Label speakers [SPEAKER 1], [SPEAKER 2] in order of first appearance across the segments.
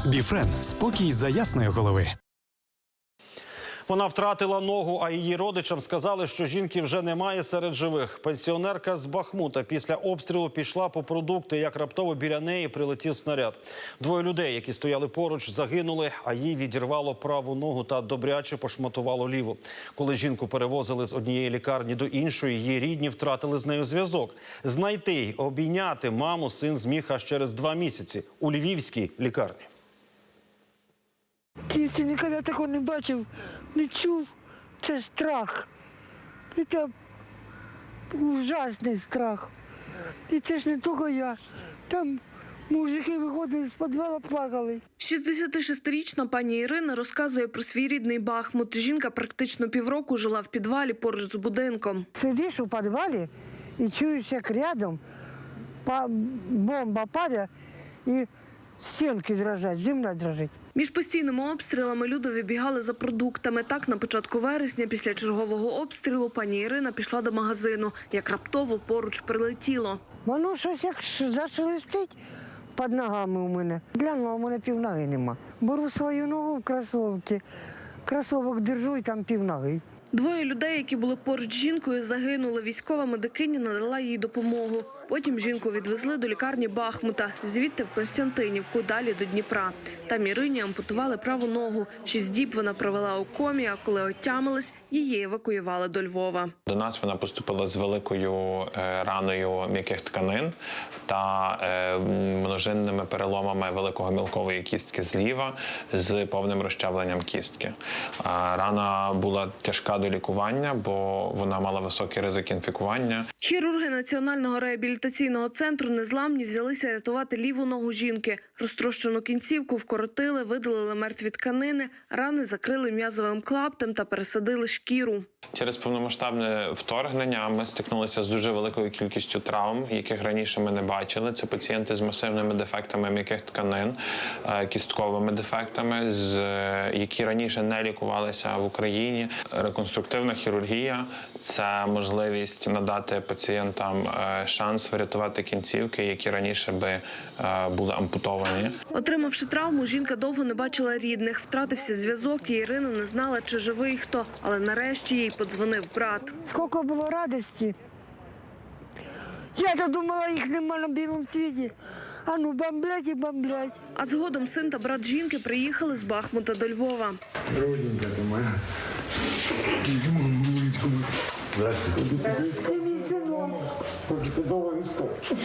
[SPEAKER 1] Біфрен – спокій за ясної голови.
[SPEAKER 2] Вона втратила ногу, а її родичам сказали, що жінки вже немає серед живих. Пенсіонерка з Бахмута після обстрілу пішла по продукти, як раптово біля неї прилетів снаряд. Двоє людей, які стояли поруч, загинули, а їй відірвало праву ногу та добряче пошматувало ліву. Коли жінку перевозили з однієї лікарні до іншої, її рідні втратили з нею зв'язок. Знайти й обійняти маму син зміг аж через 2 місяці у львівській лікарні.
[SPEAKER 3] Ти ніколи такого не бачив, не чув. Це страх. Це ужасний страх. І це ж не тільки я. Там мужики виходили з підвалу, плакали.
[SPEAKER 4] 66-річна пані Ірина розказує про свій рідний Бахмут. Жінка практично півроку жила в підвалі поруч з будинком.
[SPEAKER 3] Сидиш у підвалі і чуєш, як рядом бомба падає і стінки дрожать, земля дрожить.
[SPEAKER 4] Між постійними обстрілами люди вибігали за продуктами. Так, на початку вересня, після чергового обстрілу, пані Ірина пішла до магазину. Як раптово поруч прилетіло.
[SPEAKER 3] Воно щось як зашелестить під ногами у мене. Глянула, у мене півноги нема. Беру свою ногу в кросовки, кросовок держу і там півноги.
[SPEAKER 4] Двоє людей, які були поруч з жінкою, загинули. Військова медикиня надала їй допомогу. Потім жінку відвезли до лікарні Бахмута, звідти в Костянтинівку, далі до Дніпра. Там Ірині ампутували праву ногу. 6 діб вона провела у комі, а коли отямилась, її евакуювали до Львова.
[SPEAKER 5] До нас вона поступила з великою раною м'яких тканин та множинними переломами великого-мілкової кістки зліва з повним розчавленням кістки. Рана була тяжка до лікування, бо вона мала високий ризик інфікування.
[SPEAKER 4] Хірурги Національного реабілітаційного центру «Незламні» взялися рятувати ліву ногу жінки. Розтрощену кінцівку вкоротили, видалили мертві тканини, рани закрили м'язовим клаптем та пересадили шкіру.
[SPEAKER 5] Через повномасштабне вторгнення ми стикнулися з дуже великою кількістю травм, яких раніше ми не бачили. Це пацієнти з масивними дефектами м'яких тканин, кістковими дефектами, які раніше не лікувалися в Україні. Реконструктивна хірургія – це можливість надати пацієнтам шанс врятувати кінцівки, які раніше би були ампутовані.
[SPEAKER 4] Отримавши травму, жінка довго не бачила рідних. Втратився зв'язок, і Ірина не знала, чи живий хто. Але нарешті їй подзвонив брат.
[SPEAKER 3] Скільки було радості. Я-то думала, їх нема на білому світі. А ну, бомблять і бомблять.
[SPEAKER 4] А згодом син та брат жінки приїхали з Бахмута до Львова.
[SPEAKER 6] Родненька ти моя. Здравствуйте. Ти довго не спав.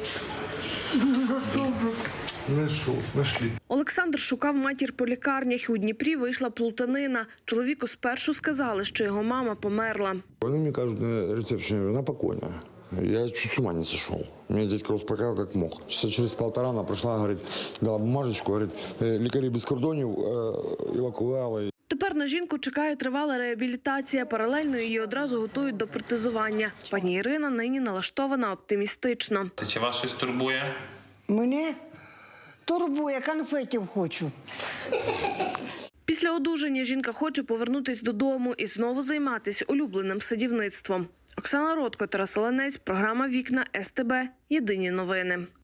[SPEAKER 6] Нашли.
[SPEAKER 4] Олександр шукав матір по лікарнях. У Дніпрі вийшла плутанина. Чоловіку спершу сказали, що його мама померла.
[SPEAKER 6] Вони мені кажуть на рецепції, вона покойна. Я чуть с ума не сошел. Меня дядька успокаивал как мог. Часа через 1,5 она пришла, говорит, дала бумажечку, говорит, лікарі без кордонів евакуювали.
[SPEAKER 4] Тепер на жінку чекає тривала реабілітація. Паралельно її одразу готують до протезування. Пані Ірина нині налаштована оптимістично.
[SPEAKER 5] Чи вас щось турбує?
[SPEAKER 3] Мене турбує, конфетів хочу.
[SPEAKER 4] Після одужання жінка хоче повернутися додому і знову займатися улюбленим садівництвом. Оксана Ротко, Тарас Оленець, програма «Вікна СТБ». Єдині новини.